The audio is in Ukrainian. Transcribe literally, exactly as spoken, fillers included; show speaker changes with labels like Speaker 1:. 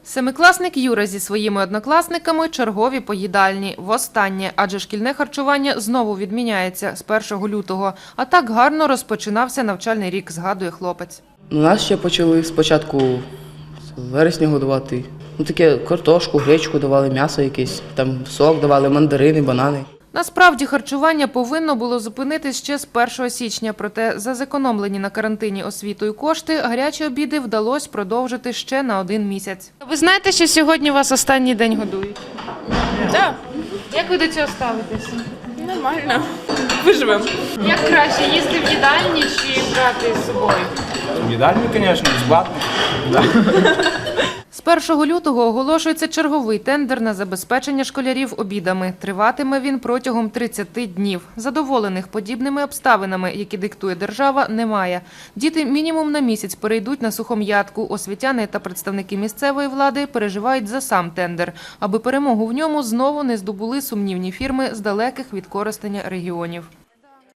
Speaker 1: Семикласник Юра зі своїми однокласниками – чергові поїдальні. Востаннє, адже шкільне харчування знову відміняється з першого лютого. А так гарно розпочинався навчальний рік, згадує хлопець.
Speaker 2: У нас ще почали спочатку з вересня годувати. Ну, таке картошку, гречку давали, м'ясо якесь, там сок давали, мандарини, банани.
Speaker 1: Насправді харчування повинно було зупинитись ще з першого січня, проте за зекономлені на карантині освітою кошти гарячі обіди вдалося продовжити ще на один місяць. Ви знаєте, що сьогодні вас останній день годують?
Speaker 3: Так,
Speaker 1: Як ви до цього ставитеся?
Speaker 3: нормально. Виживемо.
Speaker 1: Як краще, їсти в їдальні чи брати з собою?
Speaker 4: В їдальні, звісно, безплатно.
Speaker 1: З першого лютого оголошується черговий тендер на забезпечення школярів обідами. Триватиме він протягом тридцяти днів. Задоволених подібними обставинами, які диктує держава, немає. Діти мінімум на місяць перейдуть на сухом'ятку. Освітяни та представники місцевої влади переживають за сам тендер, аби перемогу в ньому знову не здобули сумнівні фірми з далеких від Коростеня регіонів.